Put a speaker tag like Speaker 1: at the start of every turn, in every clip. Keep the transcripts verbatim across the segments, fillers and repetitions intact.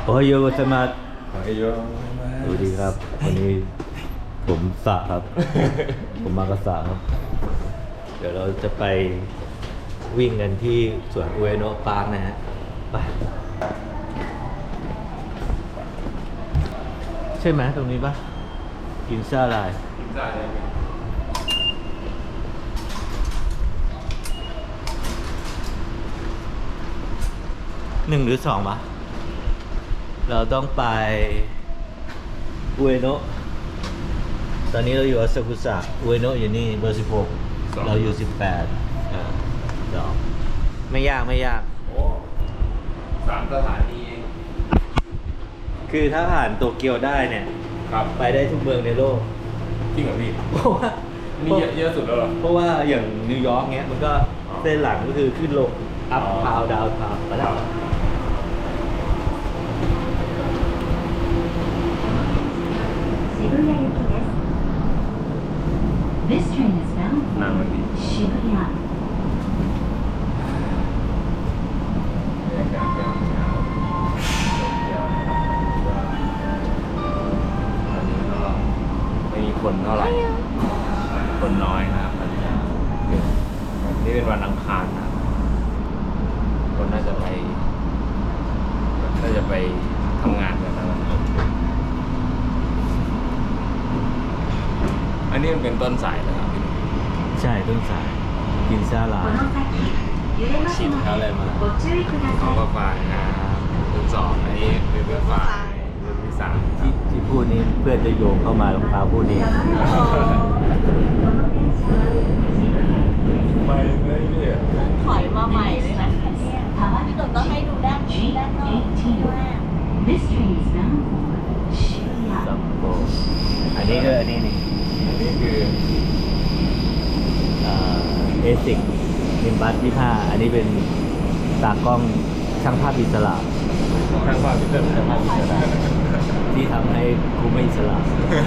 Speaker 1: โอ้ยโยสมาร์ท
Speaker 2: โอ้ยโย
Speaker 1: สวัสดีครับวันนี้ผมสะครับ ผมมากระสะครับ เดี๋ยวเราจะไปวิ่งกันที่สวนอุเอโนะปาร์คนะฮะไปใช่ไหมตรงนี้ปะกินซ่าลาย
Speaker 2: กินจ่ายเลย
Speaker 1: หนึ่งหรือสองปะเราต้องไปอุเอโนะตอนนี้เราอยู่อาซากุสะอุเอโนะอยู่นี่เบอร์สิบหกเราอยู่สิบแปดเออสองไม่ยากไม่ยาก
Speaker 2: โอ้สามสถานีเอง
Speaker 1: คือถ้าผ่านโตเกียวได้เนี่ย
Speaker 2: ครับ
Speaker 1: ไปได้ทุกเมืองในโลก
Speaker 2: จริงเหรอพี่
Speaker 1: เพราะว่า
Speaker 2: นี่เยอะเยอะสุดแล้วเหรอ
Speaker 1: เพราะว่าอย่างนิวยอร์กเนี้ยมันก็
Speaker 2: อ๋อ
Speaker 1: เส้นหลังก็คือขึ้นลงอัพ
Speaker 2: อ๋อ
Speaker 1: ทาวดาวทาวมาแล้ว
Speaker 3: This train is bound
Speaker 2: นั่งมันดี
Speaker 3: for Shibuya.
Speaker 2: ไม่มีคนเท่าไหร่ คนน้อยนะครับตอนนี้นี่เป็นวันอังคารนะครับคนน่าจะไปน่าจะไปทำงานกันนะครับอันนี้มันเป็นต้นสายนะครับพี่
Speaker 1: ใช่ต้นสายกินซาลา
Speaker 3: この先、揺れますのでご注意くだ
Speaker 2: เขา
Speaker 3: さ
Speaker 2: ก็ฟังนะครับรุ่นสองอันนี้เป็นรุ่นฝ่ายรุ่นที่สาม
Speaker 1: ที่ที่พูดนี้เพื่อนจะโยงเข้ามารองเท้าพูดนี้
Speaker 2: ไม่ไม่เนี่ย
Speaker 4: ถอยมาใหม่เลยนะ
Speaker 3: い。
Speaker 4: พี่ตุ่นก็ให้ดูด้านนี้ด้านนอกที่ว่า
Speaker 3: This train is bound for Shibuya.
Speaker 1: ซัมโบอันนี้ก็อันนี้นี่
Speaker 2: อันนี้คือ
Speaker 1: เอซิกนิมบัสยี่ห้าอันนี้เป็นตากล้องช่างภาพอิสระ
Speaker 2: ทางฝ่ายพิเศษทางฝ่ายพิเศษ
Speaker 1: ที่ทำให้กูไม่อิสระ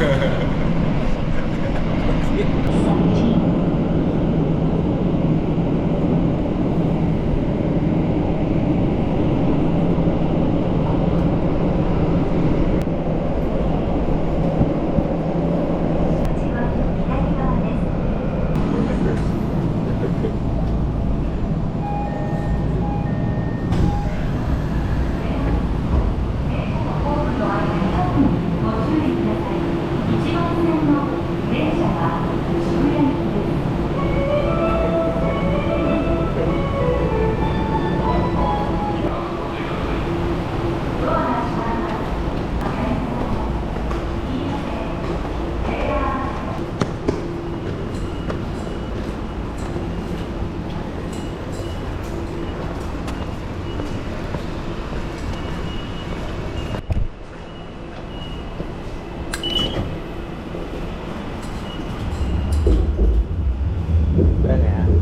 Speaker 1: ได้ไงฮะ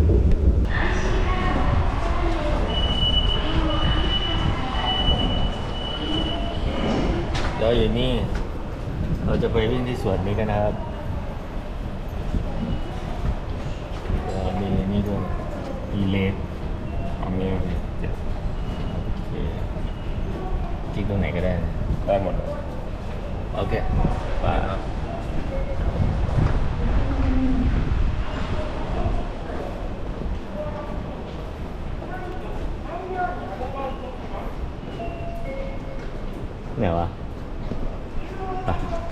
Speaker 1: เราอยู่นี่ เราจะไปวิ่งที่สวนนี้กันนะครับเดี๋ยวมีนี่ด้วยอีเลส
Speaker 2: เอามี
Speaker 1: โอเคคลิกตรงไหนก็ได้นะ
Speaker 2: ได้หมดเลย
Speaker 1: โอเคไปครับ ไหนวะไป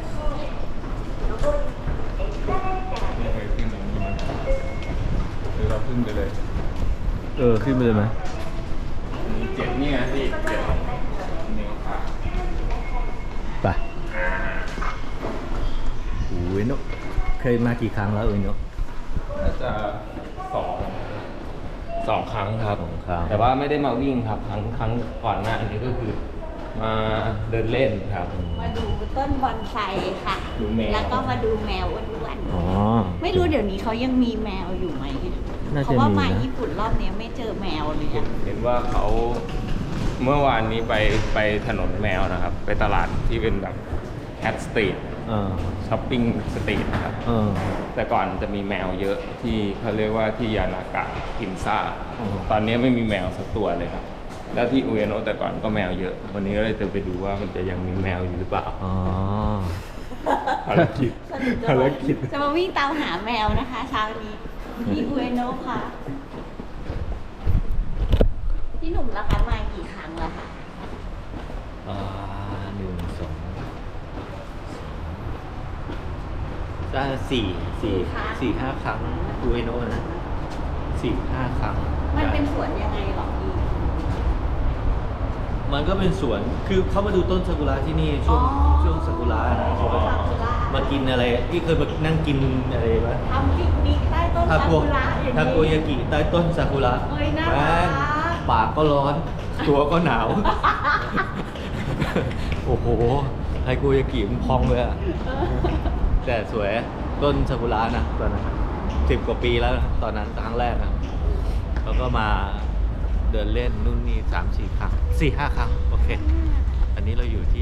Speaker 2: ไม่เคยขึ้นอย่างนี้มาหรือเราขึ้นไปเลย
Speaker 1: เออ ขึ้นไปเลยไหม
Speaker 2: มีเจ็ดนี่ไงพี่เจ็ดนิ้วขา
Speaker 1: ไปโอ้ยนกเคยมากี่ครั้งแล้วเอ้ยนก
Speaker 2: น่าจะสองสองครั้งครับ
Speaker 1: สองครั้ง
Speaker 2: แต่ว่าไม่ได้มาวิ่งครับครั้งครั้งก่อนหน้าอันนี้ก็คือ มาเดินเล่นครับ
Speaker 4: มาดูต้นบอนไซค่ะ
Speaker 2: ดูแมว
Speaker 4: แล้วก็มาดูแมวอ้วน
Speaker 1: อ๋อ
Speaker 4: ๆไม่รู้เดี๋ยวนี้เขายังมีแมวอยู่ไหม
Speaker 1: น่าจะ
Speaker 4: เพราะว่า
Speaker 1: มี
Speaker 4: มา
Speaker 1: นะ
Speaker 4: ญี่ปุ่นรอบนี้ไม่เจอแมวเลยอะ
Speaker 2: เห็นว่าเขาเมื่อวานนี้ไปไปถนนแมวนะครับ ไปตลาดที่เป็นแบบแคทสตรีท
Speaker 1: เออ
Speaker 2: ช้อปปิ้งสตรีทนะครับ
Speaker 1: เออ
Speaker 2: แต่ก่อนจะมีแมวเยอะที่เขาเรียกว่าที่ยานากะกินซ่า
Speaker 1: อ๋อ
Speaker 2: ตอนนี้ไม่มีแมวสักตัวเลยครับ
Speaker 1: อ
Speaker 2: แล้วที่อุเอโนะแต่ก่อนก็แมวเยอะ วันนี้ก็เลยจะไปดูว่ามันจะยังมีแมวอยู่หรือเปล่า
Speaker 1: อ๋อ
Speaker 2: ภารกิจภารกิจ
Speaker 4: จะมาวิ่งตามหาแมวนะคะเช้านี้ที่อุเอโนะค่ะพี่หนุ่มราคามากี่ครั้งแล้วคะ
Speaker 1: อ่าหนึ่งสองสามสี่สี่สี่ห้าครั้งดูไอโน่นะสี่ห้าครั้ง
Speaker 4: มันเป็นสวนยังไงหรอพี่
Speaker 1: มันก็เป็นสวน คือเขามาดูต้นซากุระที่นี่ช่วง
Speaker 4: อ๋อ
Speaker 1: ช่วงซากุระนะเขาก็มากินอะไรที่เคยมานั่งกินอะไรวะ
Speaker 4: ทำปิกนิกใต้ต้น
Speaker 1: ทา
Speaker 4: ซา
Speaker 1: โก
Speaker 4: กุระอย่าง
Speaker 1: ทาโก
Speaker 4: นี้
Speaker 1: ยากิใต้ต้นซากุระ
Speaker 4: เอ้ยน่ารัก
Speaker 1: แม่งปากก็ร้อน ตัวก็หนาว โอ้โหไทโกยากิมันพองเลยอะแต่สวยต้นซากุระนะตอนนั้นสิบกว่าปีแล้วนะตอนนั้นครั้งแรกนะแล้วก็มาเดินเล่นนู่นนี่สามสี่ครั้งสี่ห้าครั้ง โอเค อันนี้เราอยู่ที่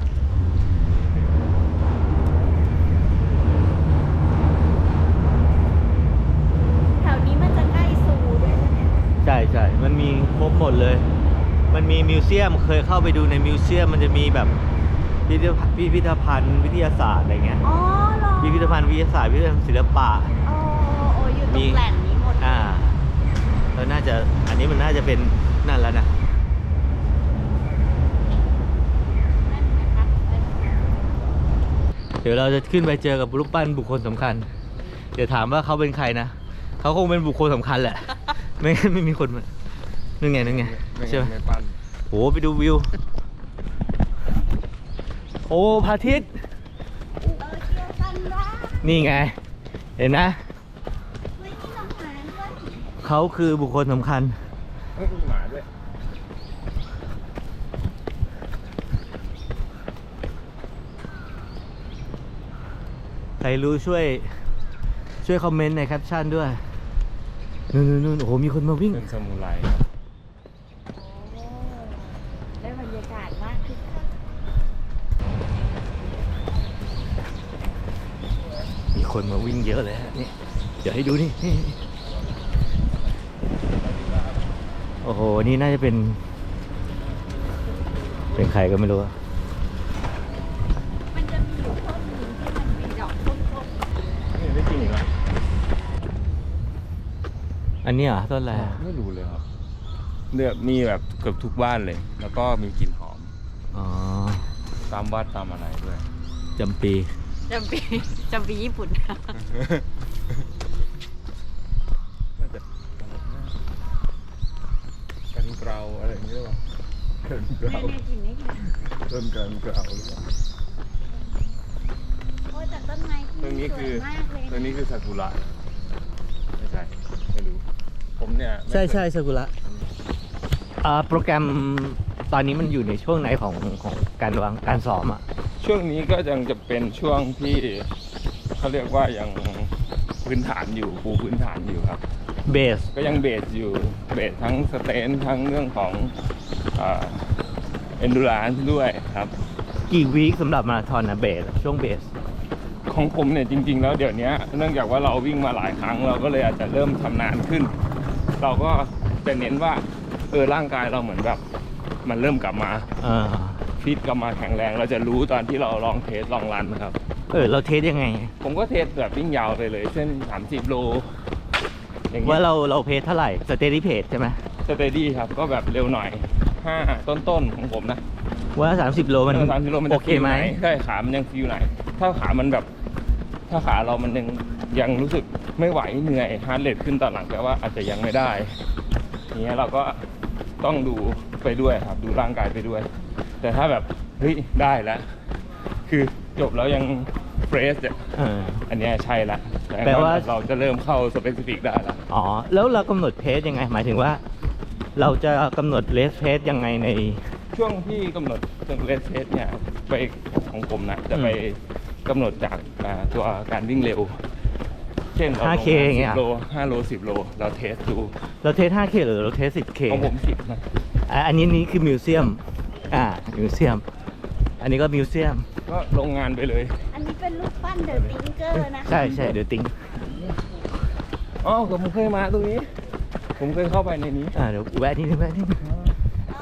Speaker 4: แถวนี้มันจะใกล้ซูด้วยนะเนี่ย
Speaker 1: ใช่ใช่มันมีครบหมดเลย มันมีมิวเซียม เคยเข้าไปดูในมิวเซียม มันจะมีแบบพิพิธภัณฑ์พิพิธภัณฑ์วิทยาศาสตร์อะไรเงี้ย
Speaker 4: อ๋อเหรอ
Speaker 1: พิพิธภัณฑ์วิทยาศาสตร์พิพิธภัณฑ์ศิลปะ
Speaker 4: โอ้โอ้อยู่ตรงแหล่งนี้หมด
Speaker 1: อ่าแล้วน่าจะ อันนี้มันน่าจะเป็นนั่นแล้วนะ
Speaker 4: นั่นนะคะ
Speaker 1: เดี๋ยวเราจะขึ้นไปเจอกับรูปปั้นบุคคลสำคัญ เดี๋ยวถามว่าเขาเป็นใครนะ เขาคงเป็นบุคคลสำคัญแหละ ไม่งั้นไม่มีคนมานึงไงนึงไงใช่ไหม
Speaker 2: ไม่ปั้น
Speaker 1: โหไปดูวิว โอ้พระอาทิตย์
Speaker 4: เออเชียวกันว่า
Speaker 1: นี่ไง เห็นนะ
Speaker 4: ไม่มีน้องหมาด้วย
Speaker 1: เขาคือบุคคลสำคัญ
Speaker 2: เฮ้ยมีหมาด้วย
Speaker 1: ใครรู้ช่วย ช่วยคอมเมนต์ในแคปชั่นด้วย นู่นนู่นนู่นโอ้โห มีคนมาวิ่ง
Speaker 2: เป็นซามูไร
Speaker 4: โอ้ได้บรรยากาศมากคึกคัก
Speaker 1: มีคนมาวิ่งเยอะเลยฮะนี่ เดี๋ยวให้ดูนี่นี่โอ้โห นี่น่าจะเป็น เป็นใครก็ไม่รู้อะ
Speaker 4: มันจะมีอยู่ต้นหนึงที่มันมีดอกส้ม
Speaker 2: นี่ได้จริงเหรอ
Speaker 1: อันนี้เหรอ่ะต้นอะไรอะ
Speaker 2: ไม่รู้เลยครับเนี่ยมีแบบเกือบทุกบ้านเลย แล้วก็มีกลิ่นหอม
Speaker 1: อ๋อ
Speaker 2: ตามวัดตามอะไรด้วย
Speaker 1: จำปี
Speaker 4: ๆจำปีจำปีญี่ปุ่น
Speaker 2: น่าจะกันเกลาอะไรอย่างเงี้ยหรอกันเกลา
Speaker 4: เนี่ยๆกินได้กิน
Speaker 2: ต้นกันเกลาหรือเปล่า
Speaker 4: โอ้ยแต่ต้นไม้ที่
Speaker 2: ตรงนี้คือ
Speaker 4: สวยมากเลย
Speaker 2: ตรงนี้คือซากุระไม่ใช่ไม่รู้ผมเนี่ยไม่
Speaker 1: ใช่ใช่
Speaker 2: เคย
Speaker 1: ซากุระอ่าโปรแกรมตอนนี้มันอยู่ในช่วงไหนของของการวางการซ้อมอ่ะ
Speaker 2: ช่วงนี้ก็ยังจะเป็นช่วงที่เขาเรียกว่ายังพื้นฐานอยู่ปูพื้นฐานอยู่ครับ
Speaker 1: เบส
Speaker 2: ก็ยังเบสอยู่เบสทั้งสเตนทั้งเรื่องของเอนดูรานด้วยครับ
Speaker 1: กี่วีคสำหรับมาราธอนนะเบสช่วงเบส
Speaker 2: ของผมเนี่ยจริง ๆ แล้วเดี๋ยวนี้เนื่องจากว่าเราวิ่งมาหลายครั้งเราก็เลยอาจจะเริ่มชำนาญขึ้น เราก็จะเน้นว่าเออร่างกายเราเหมือนแบบมันเริ่มกลับมา
Speaker 1: อ่า
Speaker 2: ฟิตกลับมาแข็งแรง เราจะรู้ตอนที่เราลองเทสลองรันนะครับ
Speaker 1: เออ เราเทสยังไง
Speaker 2: ผมก็เทสแบบวิ่งยาวไปเลยเส้นสามสิบโลอย่างเงี้
Speaker 1: ว่าย เราเราเพจเท่าไหร่สเตดี้เพจใช่ไหม
Speaker 2: สเตดี้ครับก็แบบเร็วหน่อยห้าต้นๆของผมนะ
Speaker 1: ว่าสามสิบโลมัน
Speaker 2: สามสิบโลมัน
Speaker 1: โอ
Speaker 2: จะ
Speaker 1: เคไหม
Speaker 2: ฟีลนใช่ขามันยังฟิลไหน ถ้าขามันแบบ ถ้าขาเรามันยังยังรู้สึกไม่ไหวเหนื่อยฮาร์ดเรทขึ้นตอนหลังแปลว่าอาจจะยังไม่ได้อย่างเงี้ยเราก็ต้องดูไปด้วยครับดูร่างกายไปด้วย แต่ถ้าแบบเฮ้ยได้แล้วคือจบแล้วยังเฟรชเนี่ย
Speaker 1: เออ
Speaker 2: อันเนี้ยใช่ละ
Speaker 1: แปลว่า
Speaker 2: เราจะเริ่มเข้าสเปซิฟิกได้ละ
Speaker 1: อ๋อ แล้วเรากำหนดเพจยังไง หมายถึงว่า เราจะกำหนดเลสเพจยังไงใน
Speaker 2: ช่วงที่กำหนดจนเลสเทสเนี่ยไปของผมนะจะไปกำหนดจากอ่าตัวการวิ่งเร็ว เช่นเรา
Speaker 1: ห้า
Speaker 2: ลง
Speaker 1: เค
Speaker 2: มา
Speaker 1: อย่างเงี้
Speaker 2: สิ
Speaker 1: ย
Speaker 2: บโลห้าโลสิบโลเราเทสดู
Speaker 1: เราเทส ห้าเค หรือเราเทส สิบเค
Speaker 2: ของผมสิบนะ
Speaker 1: อ่ะอันนี้นี่คือมิวเซียม อ่า มิวเซียม อันนี้ก็มิวเซียม
Speaker 2: ก็ลงงานไปเลย
Speaker 4: อันนี้เป็นรูปปั้นเดอะติงเกอร์นะคะ
Speaker 1: ใช่ใช่เดี๋ยวติ้ง
Speaker 2: อ๋อผมเคยมาตรงนี้ ผมเคยเข้าไปในนี้
Speaker 1: อ่าเดี๋ยวแวะนิดนึงแวะนิดนึง
Speaker 4: เอ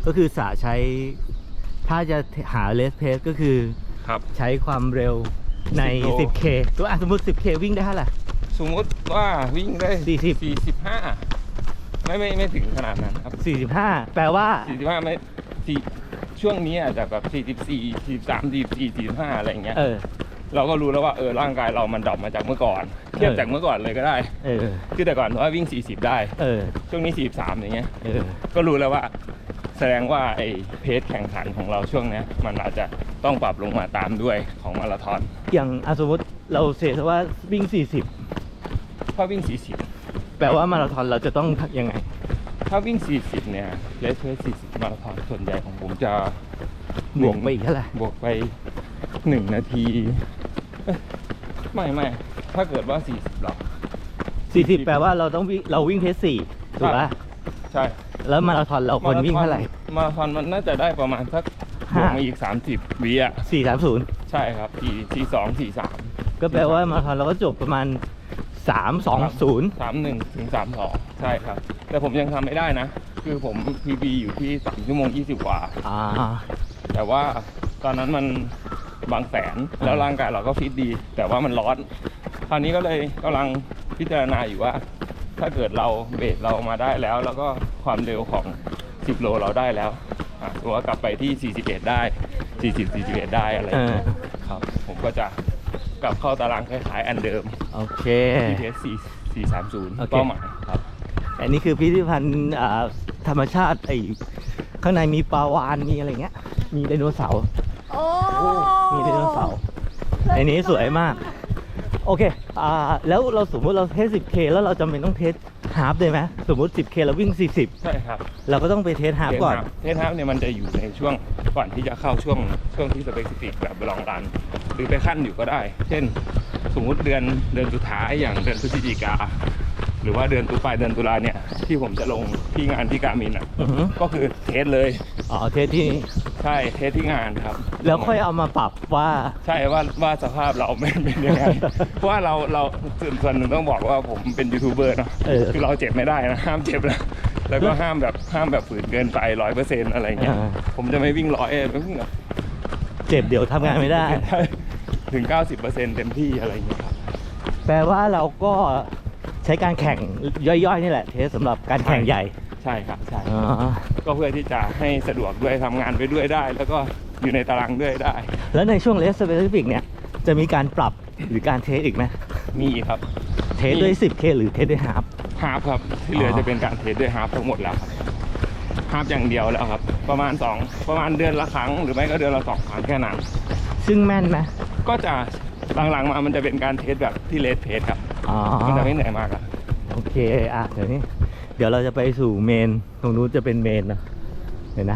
Speaker 1: ก็คือสาใช้ถ้าจะหาเลสเพสก็คือ
Speaker 2: ครับ
Speaker 1: ใช้ความเร็วใน
Speaker 2: สิบโล
Speaker 1: สิบเค ตัวอ่ะสมมติ สิบเค วิ่งได้เท่าไหร่
Speaker 2: สมมติว่าวิ่งได้
Speaker 1: สี่สิบ
Speaker 2: สี่สิบห้าไม่ไม่ไม่ถึงขนาดนั้นครับ
Speaker 1: สี่สิบห้า แปลว่า
Speaker 2: สี่สิบห้าไม่สี่ช่วงนี้อาจจะแบบสี่สิบสี่ สี่สิบสาม สี่สิบสี่ สี่สิบห้าอะไรอย่างเงี้ย
Speaker 1: เออ
Speaker 2: เราก็รู้แล้วว่าเออร่างกายเรามันดรอปมาจากเมื่อก่อน เทียบจากเมื่อก่อนเลยก็ได้
Speaker 1: เออ
Speaker 2: คือแต่ก่อนว่าวิ่งสี่สิบได้
Speaker 1: เออ
Speaker 2: ช่วงนี้สี่สิบสามอย่างเงี้ย
Speaker 1: เออ
Speaker 2: ก็รู้แล้วว่าแสดงว่าไอ้เพจแข่งขันของเราช่วงเนี้ยมันอาจจะต้องปรับลงมาตามด้วยของมาราธอน
Speaker 1: อย่างอ่ะสมมติเราเสียว่าวิ่ง สี่สิบ
Speaker 2: ถ้าวิ่งสี่สิบ
Speaker 1: แปลว่ามาราธอนเราจะต้องยังไง
Speaker 2: ถ้าวิ่งสี่สิบเนี่ยเลสเพสสี่สิบมาราธอนส่วนใหญ่ของผมจะ
Speaker 1: บวกไปอีกเท่าไหร่
Speaker 2: บวกไปหนึ่งนาทีเอ้ยไม่ไม่ถ้าเกิดว่าสี่สิบหรอ
Speaker 1: สี่สิบ แปลว่าเราต้องวิ่งเราวิ่งเพสสี่ถูกป่ะ
Speaker 2: ใช่
Speaker 1: แล้วมาราธอนเราควรวิ่งเท่าไหร่
Speaker 2: มาราธอนมันน่าจะได้ประมาณสักบ
Speaker 1: ห้า
Speaker 2: วกมาอีกสามสิบวิอ่ะ
Speaker 1: สี่สามศูนย์
Speaker 2: ใช่ครับสี่สี่สองสี่สาม
Speaker 1: ก็แปลว่ามาราธอนเราก็จบประมาณสามสองศูนย์
Speaker 2: สามหนึ่งถึงสามสองใช่ครับ แต่ผมยังทำไม่ได้นะ คือผม พี บี อยู่ที่สามชั่วโมงยี่สิบกว่า
Speaker 1: อ่า
Speaker 2: แต่ว่าตอนนั้นมันบางแสนแล้วร่างกายเราก็ฟิตดี แต่ว่ามันร้อนคราวนี้ก็เลยกำลังพิจารณาอยู่ว่า ถ้าเกิดเราเบรกเรามาได้แล้ว แล้วก็ความเร็วของสิบโลเราได้แล้วอ่ะตัวากลับไปที่สี่สิบเอ็ดได้สี่สิบ สี่สิบเอ็ดได้อะไรอย่างเงี้ย
Speaker 1: เออ
Speaker 2: ครับ ผมก็จะกลับเข้าตารางคล้ายๆอันเดิม
Speaker 1: โอเค
Speaker 2: ที พี เอส สี่ สี่สามศูนย์
Speaker 1: โอเค
Speaker 2: เป้าหมายครับ
Speaker 1: อันนี้คือพิพิธภัณฑ์อ่าธรรมชาติไอ้ข้างในมีปลาวาฬมีอะไรเงี้ย มีไดโนเสาร์
Speaker 4: โอ้
Speaker 1: มีไดโนเสาร์ไอ้นี้สวยมาก โอเค อ่า แล้วเราสมมติเราเทส สิบเค แล้วเราจำเป็นต้องเทสฮาล์ฟได้ไหมสมมติ สิบเค เราวิ่ง สี่สิบ
Speaker 2: ใช่ครับ
Speaker 1: เราก็ต้องไปเทสฮาล์ฟก่อน
Speaker 2: เทสฮาล์ฟเนี่ยมันจะอยู่ในช่วงก่อนที่จะเข้าช่วงช่วงที่สเปซิฟิกแบบลองรัน หรือไปขั้นอยู่ก็ได้ เช่น สมมุติเดือนเดือนสุดท้ายอย่างเดือนพฤศจิกา หรือว่าเดือนตุลาเดือนตุลาเนี่ยที่ผมจะลงที่งานที่การมินอ่ะ
Speaker 1: อือฮึ
Speaker 2: ก็คือเทสเลย
Speaker 1: อ๋อ เทสที่นี่
Speaker 2: ใช่เทสที่งานครับ
Speaker 1: แล้วค่อยเอามาปรับว่า
Speaker 2: ใช่ว่าว่าสภาพเราไม่เป็นยังไง เพราะว่าเราเราส่วนส่วนหนึ่งต้องบอกว่าผมเป็นยูทูบเบอร์เนาะ
Speaker 1: เออ
Speaker 2: คือเราเจ็บไม่ได้นะห้ามเจ็บนะแล้วก็ห้ามแบบห้ามแบบฝืนเกินไปร้อยเปอร์เซ็นต์อะไรเงี้ย
Speaker 1: อ่า
Speaker 2: ผมจะไม่วิ่งร้อยไม่วิ่งแบบ
Speaker 1: เจ็บเดี๋ยวทำงานไม่ได้
Speaker 2: ถึง เก้าสิบเปอร์เซ็นต์ เต็มที่อะไรเงี้ยครับ
Speaker 1: แปลว่าเราก็ใช้การแข่งย่อยๆนี่แหละ เทสสำหรับการแข่งใหญ่
Speaker 2: ใช่ครับใช่
Speaker 1: อ๋อ
Speaker 2: ก็เพื่อที่จะให้สะดวกด้วยทำงานไปด้วยได้ แล้วก็อยู่ในตารางด้วยได้
Speaker 1: แล้วในช่วงเลสสเปซิฟิกเนี่ย จะมีการปรับหรือการเทสอีกไหม
Speaker 2: มีครับ
Speaker 1: เทสด้วย สิบเค หรือเทสด้วยฮาล์ฟ
Speaker 2: ฮาล์ฟครับที่เหลืออ
Speaker 1: อ
Speaker 2: จะเป็นการเทสด้วยฮาล์ฟทั้งหมดแล้วครับฮาล์ฟอย่างเดียวแล้วครับ ประมาณสองประมาณเดือนละครั้งหรือไม่ก็เดือนละสองครั้งแค่นั้น
Speaker 1: ซึ่งแม่นไหม
Speaker 2: ก็จะหลังๆมามันจะเป็นการเทสแบบที่เลสเพสครับ
Speaker 1: อ๋อ
Speaker 2: มันจะไม่เหนื่อยมากอะ
Speaker 1: โอเค อ่ะ เดี๋ยวนี้ เดี๋ยวเราจะไปสู่เมน ตรงนู้นจะเป็นเมนเนอะเดี๋ยวนะ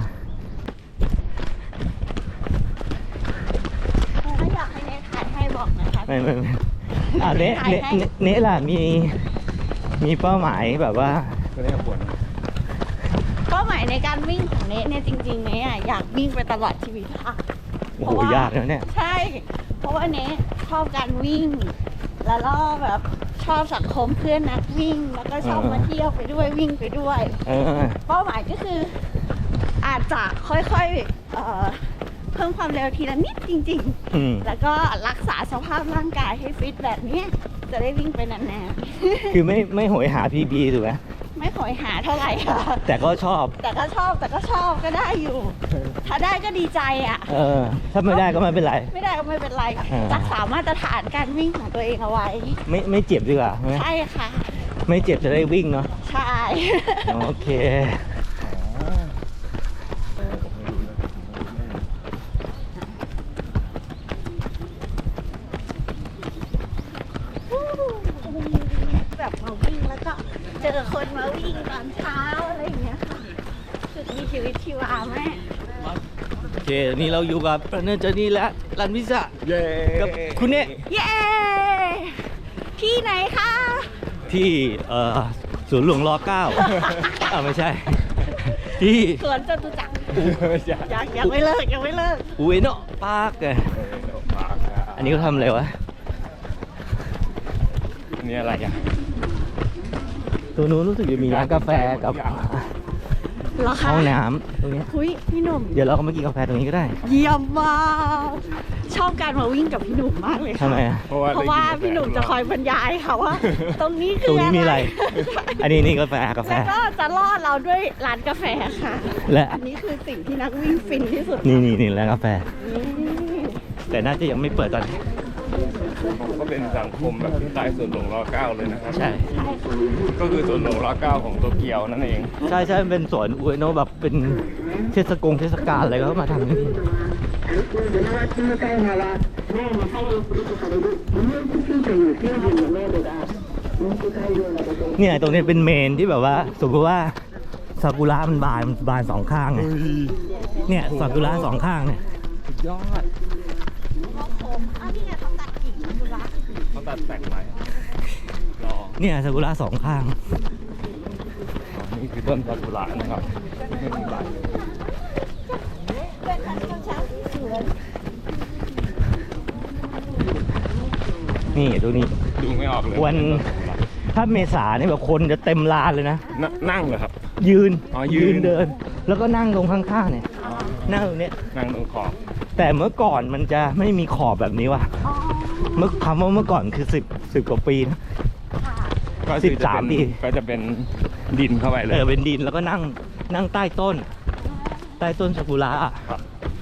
Speaker 4: ถ้าอยากให้เนทถ่ายให้บอกนะคะ
Speaker 1: ไม่ไม่ไม่อ่ะเนะเนะเนะเนะล่ะ มี มีเป้าหมายแบบว่า
Speaker 2: ก็ได้ปวด
Speaker 4: เป้าหมายในการวิ่งของเนทเนี่ยจริงๆเนทอะอยากวิ่งไปตลอดชีวิตค่ะ
Speaker 1: โอ้โห ยากนะเนี่ย
Speaker 4: ใช่ เพราะว่าเนทชอบการวิ่ง แล้วก็แบบชอบสังคมเพื่อนนักวิ่ง แล้วก็ชอบ
Speaker 1: เออ
Speaker 4: มาเที่ยวไปด้วยวิ่งไปด้วย
Speaker 1: เออ
Speaker 4: เป้าหมายก็คืออาจจะค่อยๆเอ่อเพิ่มความเร็วทีละนิดจริง
Speaker 1: อืม
Speaker 4: ๆ แล้วก็รักษาสภาพร่างกายให้ฟิตแบบเนี้ยจะได้วิ่งไปนาน
Speaker 1: คือไม่ไม่โหยหา พี บี ถูกไหม
Speaker 4: ๆ ไม่ขอยหาเท่าไหร่ค่ะ
Speaker 1: แต่ก็ชอบ
Speaker 4: แต่ก็ชอบแต่ก็ชอบก็ได้อยู่ ถ้าได้ก็ดีใจอ่ะ
Speaker 1: เออ ถ้าไม่ได้ก็ไม่เป็นไร
Speaker 4: ไม่ได้ก็ไม่เป็นไร
Speaker 1: อ่า
Speaker 4: รักษามาตรฐานการวิ่งของตัวเองเอาไว้
Speaker 1: ไม่ไม่เจ็บดีกว่าใช่ไหม
Speaker 4: ใช่ค่ะ
Speaker 1: ไม่เจ็บจะได้วิ่งเนาะ
Speaker 4: ใช่
Speaker 1: โอเค
Speaker 4: แบบมาวิ่งแล้วก็เจอคนมาวิ่งตอนเช้าอะไรอย่างเงี้ยค่ะรู้สึกมีชีวิตชีวาแม่
Speaker 1: โอเค นี่เราอยู่กับเนอร์เจอร์นี่และรันวิสะ
Speaker 2: เย้
Speaker 1: กับคุณเนะ
Speaker 4: เย้ ที่ไหนคะ
Speaker 1: ที่เอ่อศูนย์หลวงรอเก้า อ่าไม่ใช่ ที่
Speaker 4: สวนจตุจักร
Speaker 2: ไม่ใช่
Speaker 4: ยังยังไม่เลิกยังไม่เลิก
Speaker 1: อุเอโนะปาร์กไงอันนี้เขาทำอะไรวะ
Speaker 2: นี่อะไรอ่ะ
Speaker 1: ตัวนู้นรู้สึกจะมีร้านกาแฟกับ
Speaker 4: เหรอคะ
Speaker 1: ห้องน้ำตรงเนี้ย
Speaker 4: คุยพี่หนุ่ม
Speaker 1: เดี๋ยวเราก็มากินกาแฟตรงนี้ก็ได้
Speaker 4: เยี่ยมมากชอบการมาวิ่งกับพี่หนุ่มมากเลย
Speaker 1: ทำ
Speaker 4: ค่ะ
Speaker 1: ไมอะ
Speaker 2: เพราะว่า
Speaker 4: เพราะว่าพี่หนุ่มจะคอยบรรยายค่ะว่า ตรงนี้
Speaker 1: ต
Speaker 4: คื
Speaker 1: รง
Speaker 4: อ
Speaker 1: นี้มีอะไร อันนี้นี่กาแฟกาแฟ
Speaker 4: แล้วก็จะล่อเราด้วยร้านกาแฟค่ะ
Speaker 1: และ
Speaker 4: อันนี้คือสิ่งที่นักวิ่งฟินที่สุด
Speaker 1: นี่นี่นี่แล้วกาแฟ
Speaker 4: นี่
Speaker 1: แต่น่าจะยังไม่เปิดตอนนี้
Speaker 2: ก็เป็นสังคมแบบที่ใต้ส่วนหลวงรอเก้าเลยนะครับ
Speaker 1: ใช่
Speaker 2: ก็คือส่วนหลวงรอเก้าของโตเกียวนั่นเอง
Speaker 1: ใช่ใช่มันเป็นสวนอุเอโนะแบบเป็นเทศกงเทศกาลอะไรก็มาทำที่นี่เนี่ยตรงนี้เป็นเมนที่แบบว่าสมมติว่าซากุระมันบานมันบานสองข้างไงเนี่ยซากุระสองข้างเนี่ย
Speaker 2: สุดยอด
Speaker 4: อ้าวนี่ไงเขาตัดกิ่งดูละ
Speaker 2: เขาตัดแต่งไว้รอ
Speaker 1: เนี่ยซากุระสองข้าง
Speaker 2: นี่คือต้นซากุระนะครับไม่มีใบ
Speaker 4: เป็นการเช้าที่สวย
Speaker 1: นี่ตรงนี้
Speaker 2: ดูไม่ออกเลย
Speaker 1: วันถ้าเมษาเนี่ยแบบคนจะเต็มลานเลยนะ
Speaker 2: นนั่งเหรอครับ
Speaker 1: ยืน
Speaker 2: อ๋อยืน
Speaker 1: เดิน แล้วก็นั่งตรงข้างๆเนี่ยนั่งตรงเนี้ย
Speaker 2: นั่งตรงขอบ
Speaker 1: แต่เมื่อก่อนมันจะไม่มีขอบแบบนี้ว่ะ
Speaker 4: อ๋อ
Speaker 1: เมื่อคำว่าเมื่อก่อนคือสิบสิบกว่าปีนะ
Speaker 4: ค่ะ
Speaker 2: ก็
Speaker 1: สิ
Speaker 2: คื
Speaker 1: บ
Speaker 2: อจะ
Speaker 1: สาม
Speaker 2: เป็น
Speaker 1: ปี
Speaker 2: ก็จะเป็นดินเข้าไปเล
Speaker 1: เอย อเป็นดินแล้วก็นั่งนั่งใต้ต้น ใต้ต้นซากุระอะ
Speaker 2: ครับ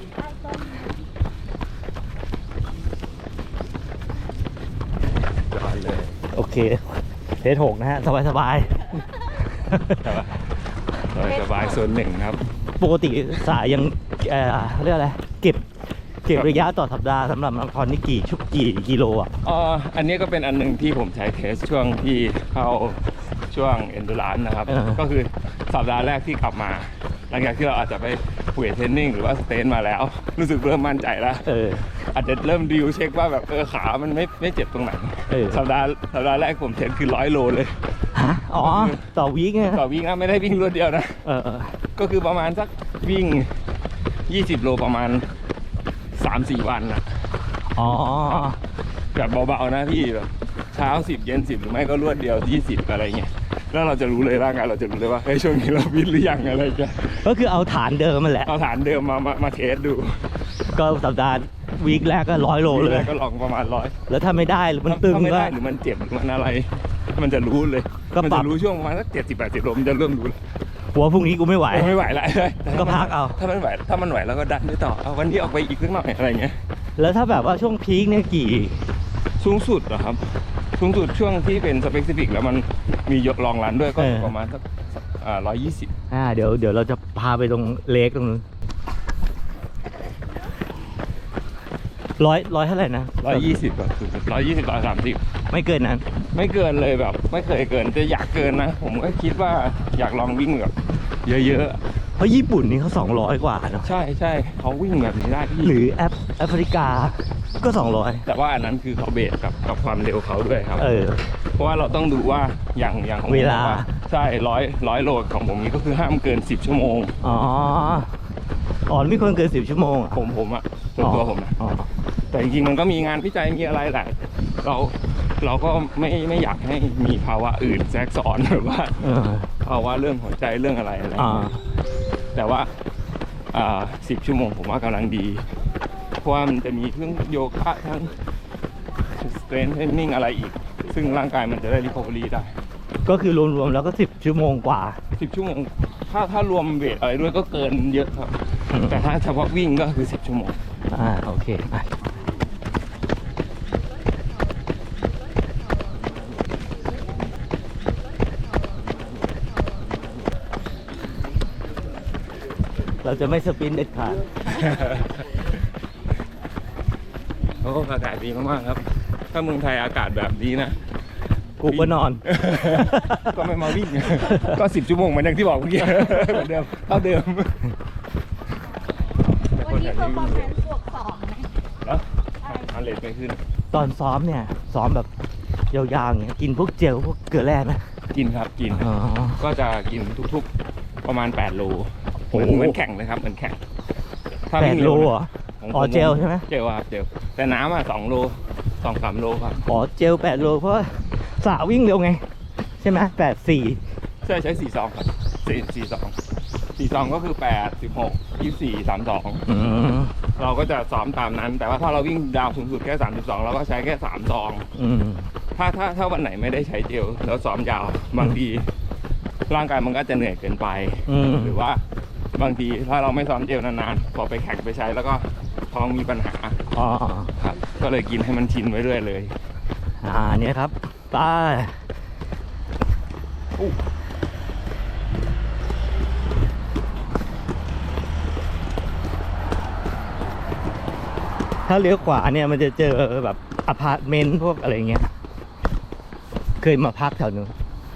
Speaker 2: ยอดเลย
Speaker 1: โอเคเทสหกนะฮะ สบายสบาย
Speaker 2: แต่ว่าโดยสบายส่วนหนึ่งครับ
Speaker 1: ปกติสายยังเอ่อเรียกอะไรเก็บเก็บระยะต่อสัปดาห์สำหรับมาราธอนนี่กี่ชุกกี่กิโลอ่ะ
Speaker 2: อ๋ออันนี้ก็เป็นอันหนึ่งที่ผมใช้เทสช่วงที่เข้าช่วงเอนดูรานนะครับ
Speaker 1: เออ
Speaker 2: ก็คือสัปดาห์แรกที่กลับมา หลังจากที่เราอาจจะไปเวทเทรนนิ่งหรือว่าสเตนมาแล้ว รู้สึกเริ่มมั่นใจแล้ว
Speaker 1: เออ
Speaker 2: อาจจะเริ่มดิวเช็คว่าแบบเออขามันไม่ไม่เจ็บตรงไหน
Speaker 1: เออ
Speaker 2: สัปดาห์สัปดาห์แรกผมเทรนคือร้อยโลเลย
Speaker 1: ฮะอ๋อ ต่อวีคไง
Speaker 2: ต่อวิ่งนะไม่ได้วิ่งรวดเดียวนะ
Speaker 1: เออเออ
Speaker 2: ก็คือประมาณสักวิ่งยี่สิบโลประมาณสามสี่วันนะ
Speaker 1: อ๋อ
Speaker 2: แบบเบาๆนะพี่แบบเช้าสิบเย็นสิบหรือไม่ก็รวดเดียวยี่สิบอะไรเงี้ยแล้วเราจะรู้เลยร่างกายเราจะรู้เลยว่าเฮ้ยช่วงนี้เราวิ่งหรือยังอะไรเงี้ย
Speaker 1: ก็คือเอาฐานเดิมมันแหละ
Speaker 2: เอาฐานเดิมมามามาเทสดู
Speaker 1: ก็สัปดาห์วีคแรกก็ร้อยโลเลย
Speaker 2: ก็ลองประมาณร้อย
Speaker 1: แล้วถ้าไม่ได้หรือมันตึง
Speaker 2: ถ้าไม่
Speaker 1: ก็
Speaker 2: ได้หรือมันเจ็บหรือมันอะไร มันจะรู้เลย
Speaker 1: ก็
Speaker 2: มัน
Speaker 1: ปรั
Speaker 2: จะ
Speaker 1: บ
Speaker 2: รู้ช่วงประมาณสักเจ็ดสิบแปดสิบโลมันจะเริ่มรู้เลย
Speaker 1: หัวพรุ่งนี้กูไม่ไหว
Speaker 2: ไม่ไหวแล้ว
Speaker 1: ก็พักเอา
Speaker 2: ถ้ามันไหวถ้ามันไหวแล้วก็ดันไปต่อเอาวันนี้ออกไปอีกสักหน่อยอะไรเงี้ย
Speaker 1: แล้วถ้าแบบว่าช่วงพีคเนี่ยกี่
Speaker 2: สูงสุดเหรอครับสูงสุดช่วงที่เป็นสเปกซิฟิกแล้วมันมียกลองรันด้วยก็
Speaker 1: เออ
Speaker 2: ประมาณสักอ่าร้อยยี่สิบ
Speaker 1: อ่าเดี๋ยวเดี๋ยวเราจะพาไปตรงเลกตรงนู้นร้อยร้อยเท่าไหร่นะ
Speaker 2: ร้อยยี่สิบแบบร้อยยี่สิบร้อยสามสิบ
Speaker 1: ไม่เกินนั้น
Speaker 2: ไม่เกินเลยแบบ ไม่เคยเกินจะอยากเกินนะ ผมก็คิดว่าอยากลองวิ่งแบบเยอะ
Speaker 1: เพราะญี่ปุ่นนี่เขาสองร้อยกว่าเนาะ
Speaker 2: ๆ ใช่ใช่เขาวิ่งแบบนี้ได้พี่
Speaker 1: หรือแอฟแอฟริกาก็สองร้อย
Speaker 2: แต่ว่าอันนั้นคือเขาเบสกับกับความเร็วเขาด้วยครับ
Speaker 1: เออ
Speaker 2: เพราะว่าเราต้องดูว่าอย่างอย่างของผม
Speaker 1: เวลา
Speaker 2: บอกใช่ร้อยร้อยโลของผมนี้ก็คือห้ามเกินสิบชั่วโมง
Speaker 1: อ๋ออ๋อไม่ควรเกินสิบชั่วโมงอ่ะ
Speaker 2: ผมผมอะส่วนตัวผมนะ
Speaker 1: อ๋อ
Speaker 2: แต่จริงๆมันก็มีงานวิจัยมีอะไรแหละเราเราก็ไม่ไม่อยากให้มีภาวะอื่นแทรกซ้อนแบบว่า
Speaker 1: เออ
Speaker 2: ภาวะเรื่องหัวใจเรื่องอะไรอะไร
Speaker 1: อ่า
Speaker 2: แต่ว่าอ่าสิบชั่วโมงผมว่ากำลังดี เพราะว่ามันจะมีทั้งโยคะทั้งสเตรนท์เทรนนิ่งอะไรอีก ซึ่งร่างกายมันจะได้รีคอเวอรี่ได้
Speaker 1: ก็คือรวมๆแล้วก็สิบชั่วโมงกว่า
Speaker 2: สิบชั่วโมงถ้าถ้ารวมเวทอะไรด้วยก็เกินเยอะครับ
Speaker 1: อืม
Speaker 2: แต่ถ้าเฉพาะวิ่งก็คือสิบชั่วโมง
Speaker 1: อ่าโอเคอ่ะเราจะไม่สปรินต์เด็ดขาด
Speaker 2: โอ้อากาศดีมากๆครับ ถ้าเมืองไทยอากาศแบบนี้นะ
Speaker 1: กูก็นอน
Speaker 2: ก็ไม่มาวิ่ง ก็สิบชั่วโมงเหมือนอย่างที่บอกเมื่อกี้ เหมือนเดิมเท่าเดิม
Speaker 4: วันนี้เพอร์ฟอร์แมนซ์บวกสองไหม
Speaker 2: แล้วอันเลทไม่ขึ้น
Speaker 1: ตอนซ้อมเนี่ย ซ้อมแบบยาวๆอย่างเงี้ยกินพวกเจลพวกเกลือแร่นะ
Speaker 2: กินครับกิน
Speaker 1: อ๋อ
Speaker 2: ก็จะกินทุกๆประมาณแปดโลเหมือน
Speaker 1: โอ้โห
Speaker 2: เหมือนแข่งเลยครับเหมือนแข่งถ้า
Speaker 1: แป
Speaker 2: วิ่
Speaker 1: ด
Speaker 2: ง
Speaker 1: โล
Speaker 2: วนะ
Speaker 1: เหรอ
Speaker 2: ของ
Speaker 1: อ๋อ
Speaker 2: ผม
Speaker 1: เจลใช่ไหม
Speaker 2: เจลครับเจลแต่น้ำอ่ะสองโลสองสามโลครับ
Speaker 1: อ๋อเจลแปดโลเพราะว่าสาวิ่งเร็วไง ใช่ไหมแปดสี่
Speaker 2: ใช่ใช้สี่ซองครับสี่สี่ซอง
Speaker 5: สี่สองก็คือแปด สิบหก ยี่สิบสี่ สามสอง
Speaker 1: อืม
Speaker 5: เราก็จะซ้อมตามนั้น แต่ว่าถ้าเราวิ่งดาวสูงสุดแค่สามสิบสองเราก็ใช้แค่สามซอง
Speaker 1: อืม
Speaker 5: ถ้าถ้าถ้าวันไหนไม่ได้ใช้เจลแล้วซ้อมยาวบางทีร่างกายมันก็จะเหนื่อยเกินไป
Speaker 1: อืม
Speaker 5: หรือว่าบางทีถ้าเราไม่ซ้อมเจลนานๆพอไปแข่งไปใช้แล้วก็ท้องมีปัญหา
Speaker 1: อ๋อ
Speaker 5: ครับก็เลยกินให้มันชินไว้เรื่อยเลย
Speaker 1: อ่าเนี่ยครับไปถ้าเลี้ยวขวาเนี่ยมันจะเจอแบบอพาร์ตเมนต์พวกอะไรเงี้ย เคยมาพักแถวนู้น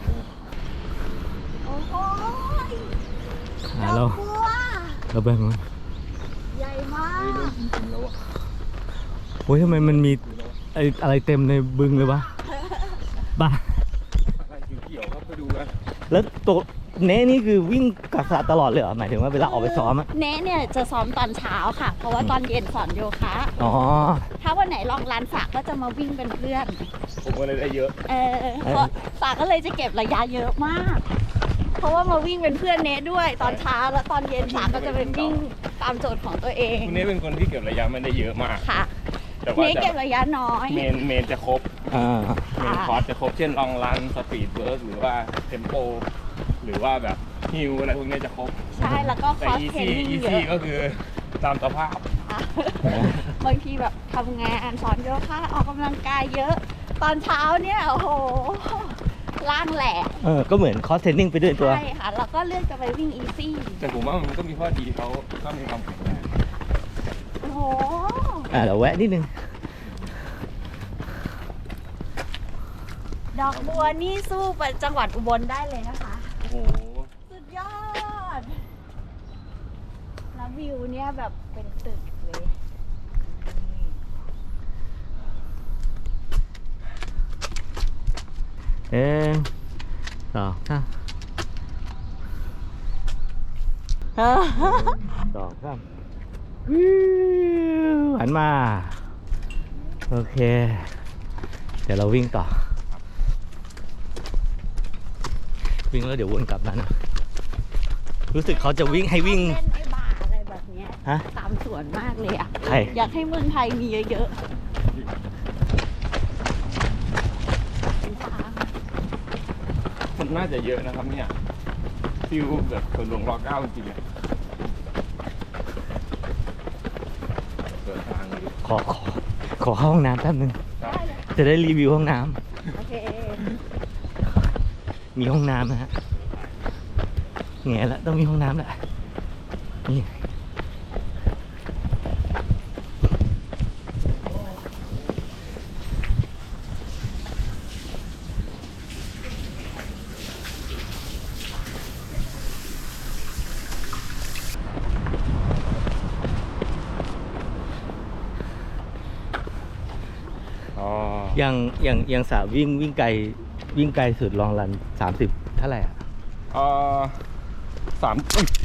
Speaker 4: โอ้โห
Speaker 1: อ่า
Speaker 4: ด
Speaker 1: เรา
Speaker 4: อกบัว
Speaker 1: เราไปนู้น
Speaker 4: ใหญ่มาก
Speaker 1: โอ้ยทำไมมันมีไออะไรเต็มในบึงเลยวะบ้า
Speaker 5: อะไรเกี่ยวๆครับไปดูกัน
Speaker 1: แล้วตัวเน้นี่คือวิ่งกับสระตลอดเลยเหรอหมายถึงว่าเวลาออกไปซ้อมอะ
Speaker 4: เน้เนี่ยจะซ้อมตอนเช้าค่ะ เพราะว่าตอนเย็นสอนโยคะ
Speaker 1: อ๋อ
Speaker 4: ถ้าวันไหนลองลานสระก็จะมาวิ่งเป็นเพื่อน
Speaker 5: ผมก็เลยได้เยอะ
Speaker 4: เออเพราะสระก็เลยจะเก็บระยะเยอะมาก เพราะว่ามาวิ่งเป็นเพื่อนเนด้วย ตอนเช้าแล้วตอนเย็นสระก็จะเป็นวิ่งตามโจทย์ของตัวเอง
Speaker 5: คุณเนสเป็นคนที่เก็บระยะไม่ได้เยอะมาก
Speaker 4: ค่ะ
Speaker 5: แต่ว่า
Speaker 4: เน
Speaker 5: จะ
Speaker 4: เก็บระยะน้อย
Speaker 5: เมนเมนจะครบ
Speaker 1: อ่า
Speaker 5: เมนคอร์สจะครบเช่นลองรันสปีดเวิร์กหรือว่าเทมโปหรือว่าแบบฮิลอะไรพวกนี้จะครบ
Speaker 4: ใช่แล้วก็ค
Speaker 5: แต่
Speaker 4: อส
Speaker 5: อี
Speaker 4: เทรน
Speaker 5: ซี่
Speaker 4: นิ่ง
Speaker 5: อี
Speaker 4: เย
Speaker 5: ซี่
Speaker 4: อะ
Speaker 5: ก็คือตามสภาพ
Speaker 4: ค่ะบางทีแบบทำงานสอนโยคะออกกำลังกายเยอะ ตอนเช้าเนี่ยโอ้โหล่างแหลก
Speaker 1: เออ ก็เหมือนคอสเทรนนิ่งไปด้วยตัว
Speaker 4: ใช่ค่ะ แล้วก็เลือกจะไปวิ่งอีซี่
Speaker 5: แต่ผมว่ามันก็มีข้อดีเขาก็มีความแข็งแรง
Speaker 4: โอ้โห
Speaker 1: อ่าเดี๋ยวแวะนิดนึง
Speaker 4: ดอกบัวนี่สู้ไปจังหวัดอุบลได้เลยนะคะ
Speaker 5: โอ้โห
Speaker 4: สุดยอด แล้ววิวเนี่ยแบบเป็นตึกเลย
Speaker 1: เอ๊ะสองสามสองสามวิวหันมา โอเค เดี๋ยวเราวิ่งต่อ วิ่งแล้วเดี๋ยววนกลับมานะ รู้สึกเขาจะวิ่งให้วิ่ง
Speaker 4: เล่นไอ้บาร์อะไรแบบเนี้ย
Speaker 1: ฮะ
Speaker 4: ตามสวนมากเลยอ่ะ
Speaker 1: ใคร
Speaker 4: อยากให้เมืองไทยมีเยอะๆเป็นทาง
Speaker 5: คนน่าจะเยอะนะครับเนี่ยฟิลแบบสวนหลวงรอเก้าจริงๆอะเปิดทางดู
Speaker 1: ขอขอขอเข้าห้องน้ำแป๊บนึง
Speaker 5: ครับ
Speaker 4: ได้เลยค่ะ
Speaker 1: จะได้รีวิวห้องน้
Speaker 4: โอเค
Speaker 1: ำ มีห้องน้ำนะฮะแง่ละต้องมีห้องน้ำแหละ นี่
Speaker 5: อ๋อ
Speaker 1: อย่างอย่างอย่างสาววิ่งวิ่งไกลวิ่งไกลสุดลองรันสามสิบเท่าไหร่อ่ะ
Speaker 5: เอ่อสามอุ๊ย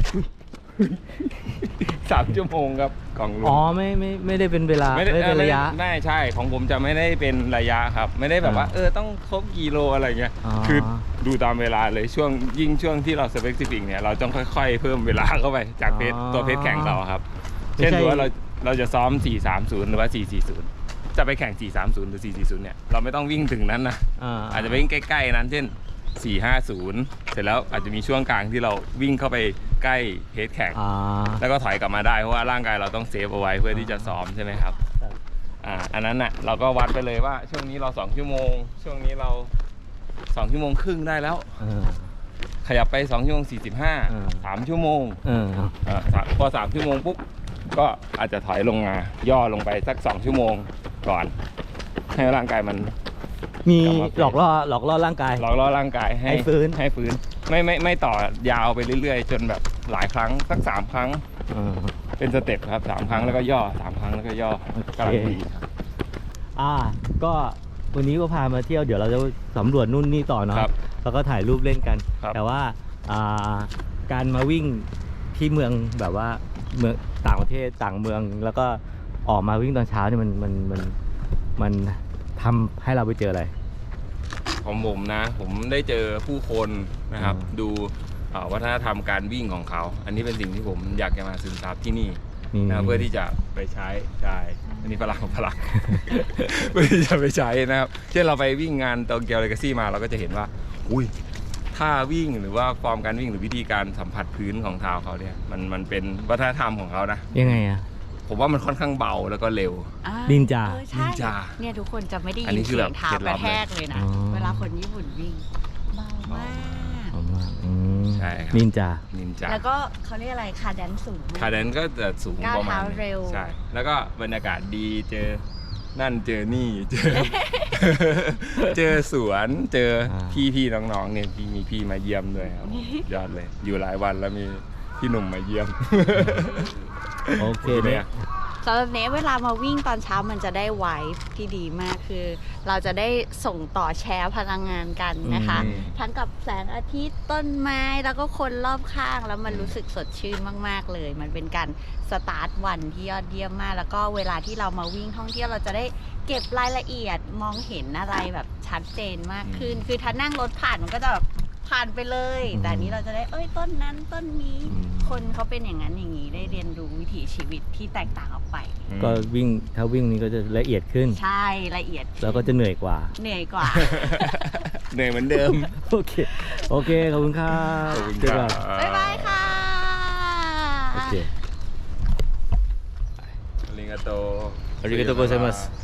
Speaker 5: สามชั่วโมงครับของลุง
Speaker 1: อ๋อไม่ไม่ไม่ได้เป็นเวลา
Speaker 5: ไม่ได้
Speaker 1: ไม่เป็นระยะ
Speaker 5: ไม่ใช่ของผมจะไม่ได้เป็นระยะครับ ไม่ได้แบบว่า
Speaker 1: อ่า
Speaker 5: เออต้องครบกี่โลอะไรเงี้ย
Speaker 1: อ๋อ
Speaker 5: คือดูตามเวลาเลยช่วงยิ่งช่วงที่เราสเปซิฟิกเนี่ยเราต้องค่อย ๆ เพิ่มเวลาเข้าไปจากเพจตัวเพจแข่งเราครับ
Speaker 1: ไม่
Speaker 5: เช่น
Speaker 1: ใช่
Speaker 5: ดูว่าเราเราจะซ้อมสี่สามศูนย์หรือว่าสี่สี่ศูนย์จะไปแข่งสี่สามศูนย์หรือสี่สี่ศูนย์เนี่ยเราไม่ต้องวิ่งถึงนั้นนะ
Speaker 1: อ่า
Speaker 5: อาจจะไปวิ่งใกล้ๆนั้นเช่นสี่ห้าศูนย์เสร็จแล้วอาจจะมีช่วงกลางที่เราวิ่งเข้าไปใกล้เพจแข่ง
Speaker 1: อ่า
Speaker 5: แล้วก็ถอยกลับมาได้เพราะว่าร่างกายเราต้องเซฟเอาไว้เพื่อที่จะซ้อมใช่ไหมครับ
Speaker 1: ครับ
Speaker 5: อ่าอันนั้นน่ะเราก็วัดไปเลยว่าช่วงนี้เราสองชั่วโมง ช่วงนี้เราสองชั่วโมงครึ่งได้แล้ว
Speaker 1: เออ
Speaker 5: ขยับไปสองชั่วโมงสี่สิบห้า
Speaker 1: อืม
Speaker 5: สามชั่วโมง
Speaker 1: เออ
Speaker 5: อ่าสามพอสามชั่วโมงปุ๊บก็อาจจะถอยลงมาย่อลงไปสักสองชั่วโมงก่อน ให้ร่างกายมัน
Speaker 1: มี
Speaker 5: กลับมาเป็น
Speaker 1: หลอกล่อหลอกล่อร่างกาย
Speaker 5: หลอกล่อร่างกายให้
Speaker 1: ให้ฟื้น
Speaker 5: ให้ฟื้นไม่ไม่ไม่ต่อยาวไปเรื่อยๆ จนแบบหลายครั้งสักสามครั้ง
Speaker 1: เออ
Speaker 5: เป็นสเต็ปครับสามครั้งแล้วก็ย่อสามครั้งแล้วก็ย่อ
Speaker 1: โอเค
Speaker 5: กำลังดีครับ
Speaker 1: อ่า ก็วันนี้ก็พามาเที่ยวเดี๋ยวเราจะสำรวจนู่นนี่ต่อเนาะ
Speaker 5: ครับ
Speaker 1: แล้วก็ถ่ายรูปเล่นกัน
Speaker 5: ครับ
Speaker 1: แต่ว่าอ่าการมาวิ่งที่เมืองแบบว่าเมืองต่างประเทศต่างเมือง แล้วก็ออกมาวิ่งตอนเช้าเนี่ยมันมันมันมันทำให้เราไปเจออะไร
Speaker 5: ของผมนะ ผมได้เจอผู้คนนะครับ
Speaker 1: อืม
Speaker 5: ดูเอ่อวัฒนธรรมการวิ่งของเขา อันนี้เป็นสิ่งที่ผมอยากจะมาซึมซับที่นี่
Speaker 1: นี่
Speaker 5: นะเพื่อที่จะไปใช้ใช่อันนี้ฝรั่งฝรั่ง เพื่อที่จะไปใช้นะครับเช่นเราไปวิ่งงานโตเกียวเลกาซี่มาเราก็จะเห็นว่าอุ้ยท่าวิ่งหรือว่าฟอร์มการวิ่งหรือวิธีการสัมผัสพื้นของเท้าเขาเนี่ยมันมันเป็นวัฒนธรรมของเขานะ
Speaker 1: ยังไงอ่ะ
Speaker 5: ผมว่ามันค่อนข้างเบาแล้วก็เร็ว
Speaker 4: อ่า
Speaker 1: นินจา
Speaker 4: เออใช่
Speaker 5: นินจา
Speaker 4: เนี่ยทุกคนจะไม่ได้
Speaker 5: อั
Speaker 4: ยิ
Speaker 5: น
Speaker 4: น
Speaker 5: นี้คือ
Speaker 4: เสี
Speaker 5: แบ
Speaker 4: ย
Speaker 5: บ
Speaker 4: งเท้า
Speaker 5: เคล็ด
Speaker 4: ก
Speaker 5: ลั
Speaker 4: ระ
Speaker 5: บ
Speaker 4: แทกเลยนะ
Speaker 1: อ๋อ
Speaker 4: เวลาคนญี่ปุ่นวิ่งเบามาก
Speaker 1: ผมว่าอืม
Speaker 5: ใช่ครับ
Speaker 1: นินจา
Speaker 5: นินจา
Speaker 4: แล้วก็เขาเรียกอะไรคาแดนสูงมก
Speaker 5: คาเดนก็จะสูง
Speaker 4: ก้าว
Speaker 5: ประมาณ
Speaker 4: เท้า
Speaker 5: หนึ่ง
Speaker 4: เร็ว
Speaker 5: ใช่แล้วก็บรรยากาศดีเจอนั่นเจอนี่เจอ เจอสวนเจอ
Speaker 1: อ่า
Speaker 5: พี่พี่น้องๆเนี่ยพี่มีพี่มาเยี่ยมด้วยครับยอดเลย อยู่หลายวันแล้วมีพี่หนุ่มมาเยี่ยม
Speaker 1: โอเค
Speaker 5: เนี่
Speaker 1: เนี่ย ย
Speaker 4: สำหรับเนเวลามาวิ่งตอนเช้ามันจะได้ไวฟ์ที่ดีมากคือ เราจะได้ส่งต่อแชร์พลังงานกันนะคะ
Speaker 5: อืม
Speaker 4: ทั้งกับแสงอาทิตย์ต้นไม้แล้วก็คนรอบข้างแล้วมันรู้สึกสดชื่นมากๆเลย มันเป็นการสตาร์ทวันที่ยอดเยี่ยมมาก แล้วก็เวลาที่เรามาวิ่งท่องเที่ยวเราจะได้เก็บรายละเอียดมองเห็นอะไรแบบชัดเจนมากขึ้น คือถ้านั่งรถผ่านมันก็จะแบบผ่านไปเลย
Speaker 1: อืม
Speaker 4: แต่อันนี้เราจะได้เอ้ยต้นนั้นต้นนี้
Speaker 1: อืม
Speaker 4: คนเขาเป็นอย่างนั้นอย่างนี้ได้เรียนรู้วิถีชีวิตที่แตกต่างออกไป
Speaker 1: ก็วิ่งถ้าวิ่งนี้ก็จะละเอียดขึ้น
Speaker 4: ใช่ละเอียด
Speaker 1: แล้วก็จะเหนื่อยกว่า
Speaker 4: เหนื่อยกว่า
Speaker 5: เหนื่อยเหมือนเดิม
Speaker 1: โอเค โอเค ขอบคุณครับ
Speaker 5: ขอบคุณ
Speaker 1: เจอ
Speaker 5: ค
Speaker 1: กั
Speaker 5: รั
Speaker 1: น
Speaker 5: บ
Speaker 4: บ๊ายบายค่ะ
Speaker 1: โอเค
Speaker 5: อาริกาโต
Speaker 1: ありがとうございます